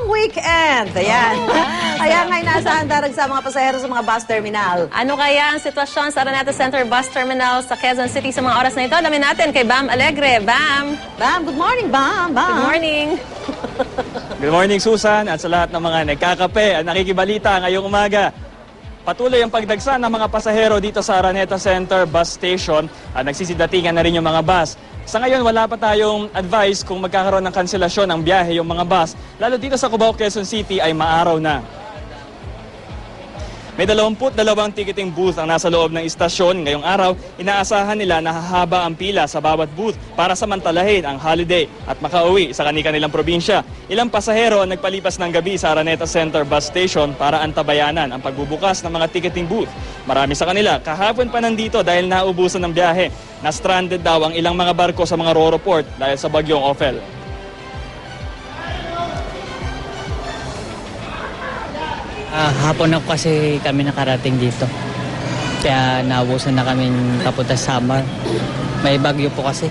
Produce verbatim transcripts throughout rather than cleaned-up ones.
weekend. Ayan. Kaya nga inaasahan darag sa mga pasahero sa mga bus terminal. Ano kaya ang sitwasyon sa Araneta Center Bus Terminal sa Quezon City sa mga oras na ito? Alamin natin kay Bam Alegre. Bam! Bam, good morning, Bam. Bam. Good morning! Good morning, Susan, at sa lahat ng mga nagkakape at nakikibalita ngayong umaga. Patuloy ang pagdagsa ng mga pasahero dito sa Araneta Center Bus Station at nagsisidatingan na rin yung mga bus. Sa ngayon, wala pa tayong advice kung magkakaroon ng kanselasyon ng biyahe yung mga bus. Lalo dito sa Cubao, Quezon City ay maaraw na. May dalawampu't dalawang ticketing booth ang nasa loob ng istasyon. Ngayong araw, inaasahan nila na hahaba ang pila sa bawat booth para samantalahin ang holiday at makauwi sa kani-kanilang probinsya. Ilang pasahero ang nagpalipas ng gabi sa Araneta Center Bus Station para antabayanan ang pagbubukas ng mga ticketing booth. Marami sa kanila kahapon pa nandito dahil naubusan ng biyahe. Na-stranded daw ang ilang mga barko sa mga Roro Port dahil sa bagyong Ophel. Ah, hapon na kasi kami nakarating dito. Kaya naubusan na kami papunta sa Samar. May bagyo po kasi.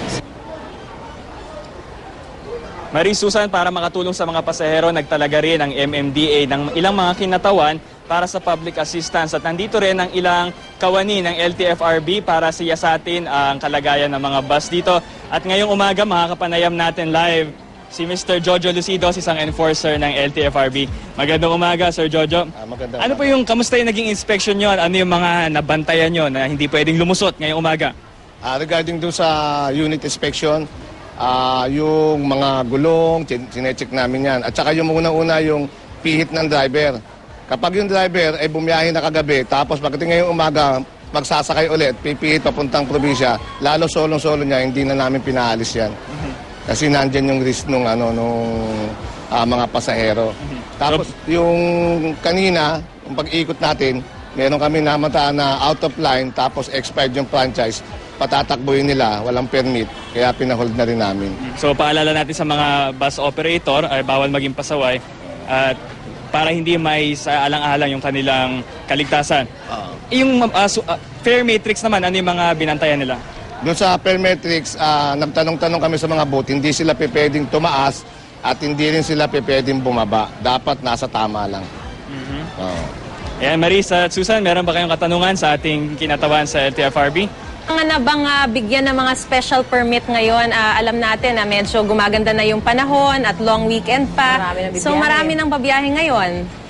Marie Susan, para makatulong sa mga pasahero, nagtalaga rin ang M M D A ng ilang mga kinatawan para sa public assistance. At nandito rin ang ilang kawani ng L T F R B para siyasatin ang kalagayan ng mga bus dito. At ngayong umaga, makakapanayam natin live si Mister Jojo Lucidos, isang enforcer ng L T F R B. Magandang umaga, Sir Jojo. Ah, magandang ano po yung, kamusta yung naging inspection nyo? Ano yung mga nabantayan nyo na hindi pwedeng lumusot ngayong umaga? Ah, regarding dun sa unit inspection, ah, yung mga gulong, sinecheck namin yan. At saka yung unang-una yung pihit ng driver. Kapag yung driver ay bumiyahe na kagabi, tapos pagdating ngayong umaga, magsasakay ulit, pipihit papuntang probinsya, lalo solong-solo niya, hindi na namin pinaalis yan. Mm-hmm. Kasi nandyan yung risk nung, ano, nung uh, mga pasahero. Mm-hmm. Tapos yung kanina, yung pag-ikot natin, meron kami namataan na out of line, tapos expired yung franchise, patatakbuhin nila, walang permit, kaya pinahold na rin namin. So paalala natin sa mga bus operator, ay bawal maging pasaway, at para hindi may sa alang-alang yung kanilang kaligtasan. Uh, yung uh, so, uh, fare matrix naman, ano yung mga binantayan nila? Doon sa Permetrics, uh, nagtanong-tanong kami sa mga booth, hindi sila pwedeng tumaas at hindi rin sila pwedeng bumaba. Dapat nasa tama lang. Mm-hmm. Oh. Ayan, Marisa at Susan, meron ba kayong katanungan sa ating kinatawan sa L T F R B? Ang na bang uh, bigyan ng mga special permit ngayon? Uh, alam natin na medyo gumaganda na yung panahon at long weekend pa. Marami so marami nang babiyahe ngayon.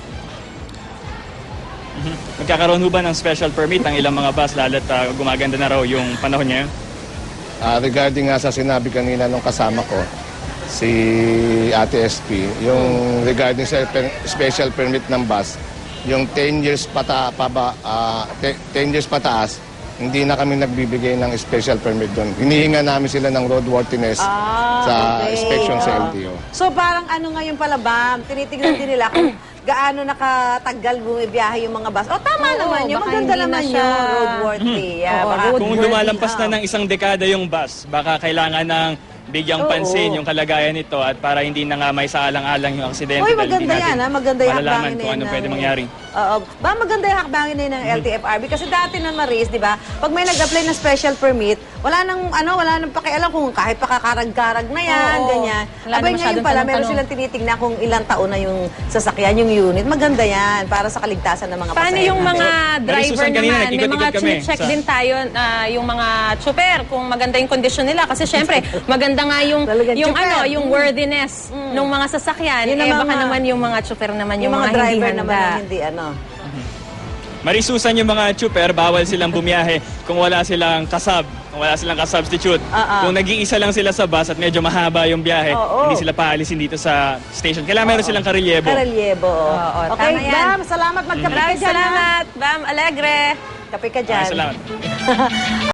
Mm-hmm. Magkakaroon ho ba ng special permit ang ilang mga bus lalo't uh, gumaganda na raw yung panahon ngayon? Uh, regarding nga sa sinabi kanina nung kasama ko, si Ate S P, yung regarding sa per special permit ng bus, yung ten years pata, pa ba, uh, ten years pataas, hindi na kami nagbibigay ng special permit doon. Hinihinga namin sila ng roadworthiness ah, sa okay. inspection sa L T O. So parang ano ngayon pala, Bam, tinitignan din nila kung gaano nakatagal bumibiyahe yung mga bus. O tama Oo, naman yun, baka maganda hindi naman na siya yun, roadworthy. Yeah, Oo, baka, road- Kung Roadworthy, lumalampas na ah. ng isang dekada yung bus, baka kailangan ng bigyang Oo. pansin yung kalagayan nito at para hindi na nga may saalang-alang yung aksidente. Uy, dahil hindi maganda natin yan, ha? Maganda yung malalaman hakbangin kung na ano yun pwede ng- mangyari. Oo. Ba, maganda yung hakbangin na yun ng L T F R B. Kasi dati na Maris, di ba, pag may nag-apply ng special permit, wala nang, ano, wala nang pakialam kung kahit pakakarag-karag na yan, Oo. ganyan. Wala na Abay, ngayon masyadong pala, meron tanong-tanong. silang tinitignan kung ilang taon na yung sasakyan, yung unit. Maganda yan, para sa kaligtasan ng mga Paano pasahero yung natin. mga So, driver Susan, kanina naman? May nag-ikot-ikot mga kami check sa- din tayo, ah, yung mga chopper, kung maganda yung kondisyon nila. Kasi syempre, maganda nga yung, Talagang yung chopper. ano, yung worthiness ng mga sasakyan. Yun Eh, ang baka mga- naman yung mga chopper naman, yung, Yung mga mga, driver hindi naman handa. ang hindi, ano. Marisusan yung mga chuper, bawal silang bumiyahe kung wala silang kasab, kung wala silang kasubstitute. Ah, ah. Kung nag-iisa lang sila sa bus at medyo mahaba yung biyahe, Oo. hindi sila paalisin dito sa station. Kailangan meron silang karelyebo. Karelyebo. Oo, Okay, tama yan. Bam, salamat. Magkape ka Maraming dyan, ha? salamat, Bam Alegre. Kape ka dyan. Maraming salamat.